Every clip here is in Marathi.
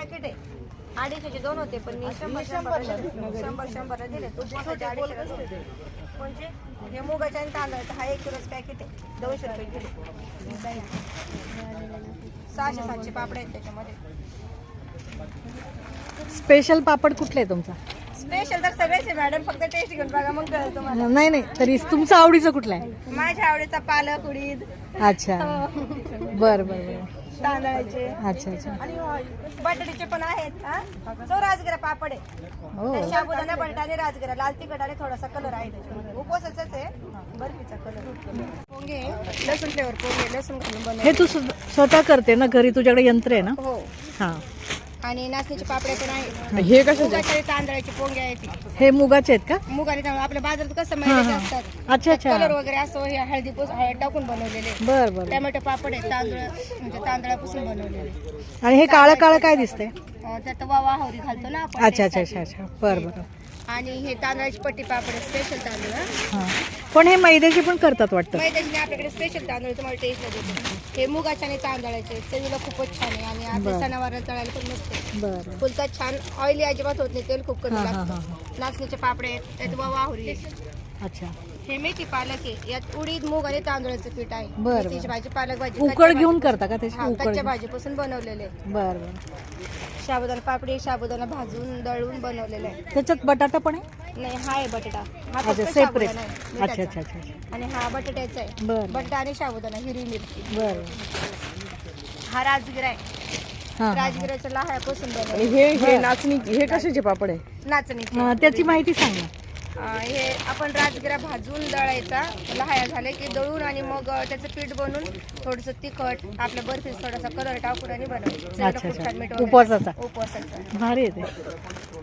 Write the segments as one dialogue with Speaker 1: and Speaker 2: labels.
Speaker 1: पॅकेट आहे 250चे 2 होते पण मी 100 दिले. तो छोटे 250 म्हणजे हे मुगाच्या आणि तांदळाचा हा 1 किलोच पॅकेट आहे 200 रुपये किलो. 600-700 पापड आहेत त्याच्यामध्ये.
Speaker 2: स्पेशल पापड कुठला आहे तुमचा?
Speaker 1: स्पेशल तर सगळेच आहे मॅडम, फक्त टेस्ट घेऊन बघा मग कळेल तुम्हाला.
Speaker 2: नाही नाही, तरी तुमचा आवडीचा कुठला आहे?
Speaker 1: माझ्या आवडीचा पालक उडीद.
Speaker 2: अच्छा, बर बर बर.
Speaker 1: तांदळाचे.
Speaker 2: अच्छा अच्छा.
Speaker 1: आणि बटाट्याचे पण आहेत. तो राजगिरा पापड आहे.
Speaker 2: हो.
Speaker 1: त्यात साबुदाणा बटाटा आणि राजगिरा लाल तिखट आणि थोडासा कलर आहे त्याच्यामध्ये. उपवासाचाच आहे, बर्फीचा कलर. पोंगे लसूण फ्लेवर पोंगे लसूण घालून बनवले.
Speaker 2: हे तू स्वतः करते ना घरी? तुझ्याकडे यंत्र आहे ना?
Speaker 1: हो.
Speaker 2: हा.
Speaker 1: आणि नाचणीचे पापडे पण आहेत.
Speaker 2: हे कसे?
Speaker 1: मुगाचे तांदळाचे पोंगे आहेत.
Speaker 2: हे मुगाचे आहेत का?
Speaker 1: मुगाने तांदूळ आपल्या बाजारात कसं मैद्याचे असतात.
Speaker 2: अच्छा अच्छा.
Speaker 1: कलर वगैरे असतो. हे हळद टाकून बनवलेले.
Speaker 2: बर बर.
Speaker 1: टोमॅटो पापड आहे तांदूळ म्हणजे तांदळापासून बनवलेले.
Speaker 2: आणि हे काळं काळं काय दिसतंय?
Speaker 1: त्यात वावा हवरी घालतो ना आपण.
Speaker 2: अच्छा अच्छा अच्छा अच्छा. बर बर.
Speaker 1: आणि हे तांदळाची पट्टी पापड स्पेशल तांदूळ.
Speaker 2: हा. पण हे मैद्याचे पण करतात वाटतं?
Speaker 1: मैद्याचे आपल्याकडे स्पेशल तांदूळ तुम्हाला टेस्टला देतो. हे मुगाचे आणि तांदळाचे चवीला खूपच छान आहे आणि आपल्या सणावाराला तळायला पण मस्त आहे.
Speaker 2: बरं.
Speaker 1: फुलका छान, ऑइली अजिबात होत नाही, तेल खूप कमी
Speaker 2: हा, हा,
Speaker 1: लागतं.
Speaker 2: हा.
Speaker 1: नाचणीचे पापड आहेत, त्यात वावा हवरी आहे.
Speaker 2: अच्छा.
Speaker 1: हे मेथी पालक आहे, यात उडीद मूग आणि तांदळाचं पीठ आहे.
Speaker 2: बरं,
Speaker 1: मेथीची भाजी पालक भाजी
Speaker 2: उकळ घेऊन करता का त्याची? उकळ
Speaker 1: कच्च्या भाजीपासून बनवलेले.
Speaker 2: बर बर.
Speaker 1: साबुदाणा पापडी साबुदाणा भाजून दळून बनवलेला आहे.
Speaker 2: त्याच्यात बटाटा पण आहे?
Speaker 1: नाही, हा आहे बटाटा. हा
Speaker 2: अच्छा,
Speaker 1: फक्त
Speaker 2: सेपरेट.
Speaker 1: साबुदाणा आहे,
Speaker 2: अच्छा
Speaker 1: मिठाचा.
Speaker 2: अच्छा अच्छा अच्छा.
Speaker 1: आणि हा बटाट्याचा आहे.
Speaker 2: बरं.
Speaker 1: बटाटा आणि साबुदाणा हिरवी मिरची.
Speaker 2: बर.
Speaker 1: हा राजगिरा आहे.
Speaker 2: हा.
Speaker 1: राजगिराच्या लाह्यापासून बनवले.
Speaker 3: हे नाचणी हे कशाचे पापड आहे?
Speaker 1: नाचणीचे.
Speaker 2: त्याची माहिती सांग ना.
Speaker 1: हे आपण राजगिरा भाजून दळायचा, लहाया झाले की दळून आणि मग त्याचं पीठ बनवून थोडंसं तिखट आपल्या बर्फीत थोडासा कलर टाकून आणि बनवायचं.
Speaker 2: अच्छा,
Speaker 1: खूप छान मीठ
Speaker 2: अच्छा.
Speaker 1: वगैरे.
Speaker 2: उपवासाचा?
Speaker 1: उपवासाचा.
Speaker 2: भारी आहे ते.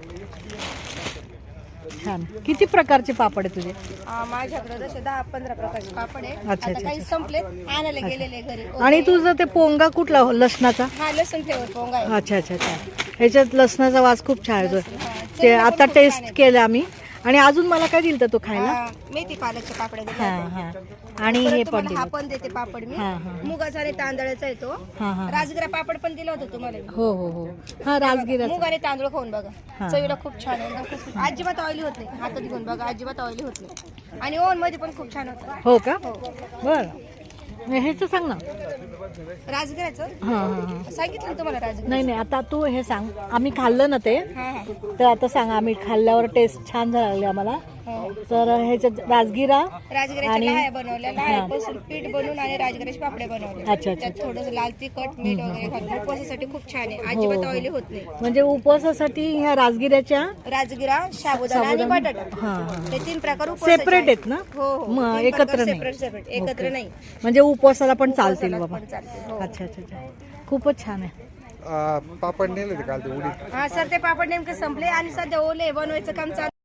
Speaker 2: छान. किती प्रकारचे पापड आहे तुझे?
Speaker 1: माझ्याकडे जसे 10-15 प्रकारचे पापड आहे.
Speaker 2: अच्छा,
Speaker 1: आता
Speaker 2: अच्छा,
Speaker 1: काही संपले, आणायला गेलेले घरी.
Speaker 2: आणि तुझं ते पोंगा कुठला लसणाचा?
Speaker 1: हा लसूण फ्लेवर पोंगा आहे.
Speaker 2: अच्छा अच्छा अच्छा. ह्याच्यात लसणाचा वास खूप छान येतो.
Speaker 1: हा,
Speaker 2: ते
Speaker 1: चवीला पण
Speaker 2: आता
Speaker 1: खूप
Speaker 2: टेस्ट
Speaker 1: छान आहे.
Speaker 2: केलं आम्ही. आणि अजून मला काय दिलं तू खायला?
Speaker 1: मेथी पालकचे पापड दिले
Speaker 2: हा
Speaker 1: होते.
Speaker 2: हा. आणि
Speaker 1: परत
Speaker 2: हे पण
Speaker 1: तुम्हाला हा
Speaker 2: दिलं.
Speaker 1: पण देते पापड मी.
Speaker 2: हा, हा.
Speaker 1: मुगाचा आणि तांदळाचा आहे तो.
Speaker 2: हा हा.
Speaker 1: राजगिरा पापड पण दिला होता तुम्हाला मी.
Speaker 2: हो हो हो. हा राजगिरा.
Speaker 1: मूग आणि तांदूळ खाऊन बघा,
Speaker 2: हा.
Speaker 1: चवीला खूप छान आहे. एकदम खूप अजिबात ऑइली होत नाही. हातात घेऊन बघा, अजिबात ऑइली होत नाही. आणि ओव्हन मध्ये पण खूप छान होतं.
Speaker 2: हो का? बर. ह्याचं सांग ना.
Speaker 1: राजगिराचं
Speaker 2: हा हा हा.
Speaker 1: सांगितलं ना तुम्हाला राजगिरा.
Speaker 2: नाही नाही, आता तू हे सांग. आम्ही खाल्लं ना ते,
Speaker 1: हा हा.
Speaker 2: तर आता सांग. आम्ही खाल्ल्यावर टेस्ट छान झाली आम्हाला.
Speaker 1: हो.
Speaker 2: तर ह्याच्यात राजगिरा
Speaker 1: राजगिराच्या
Speaker 2: आणि-
Speaker 1: लाह्या बनवल्या, लाह्यापासून पीठ बनवून आणि राजगिराचे पापडे बनवले.
Speaker 2: अच्छा, अच्छा.
Speaker 1: त्यात थोडंसं लाल तिखट मीठ वगैरे घालून उपवासासाठी खूप छान आहे. अजिबात ऑइली होत नाही.
Speaker 2: म्हणजे उपवासासाठी ह्या राजगिऱ्याच्या
Speaker 1: राजगिरा साबुदाणा आणि बटाटा
Speaker 2: हा हा.
Speaker 1: हे 3 प्रकार उपवासाचे
Speaker 2: सेपरेट आहेत ना?
Speaker 1: हो हो.
Speaker 2: मग
Speaker 1: 3
Speaker 2: एकत्र
Speaker 1: प्रकार
Speaker 2: नाही?
Speaker 1: सेपरेट सेपरेट, एकत्र
Speaker 2: ओके.
Speaker 1: नाही.
Speaker 2: म्हणजे उपवासाला पण चालतील बाबा.
Speaker 1: पण चालते. हो.
Speaker 2: अच्छा अच्छा अच्छा. खूपच छान आहे.
Speaker 4: पापड नेले ते काल ते उडीद
Speaker 1: हा सर, ते पापड नेमके संपले आणि सध्या ओले बनवायचं काम चालू.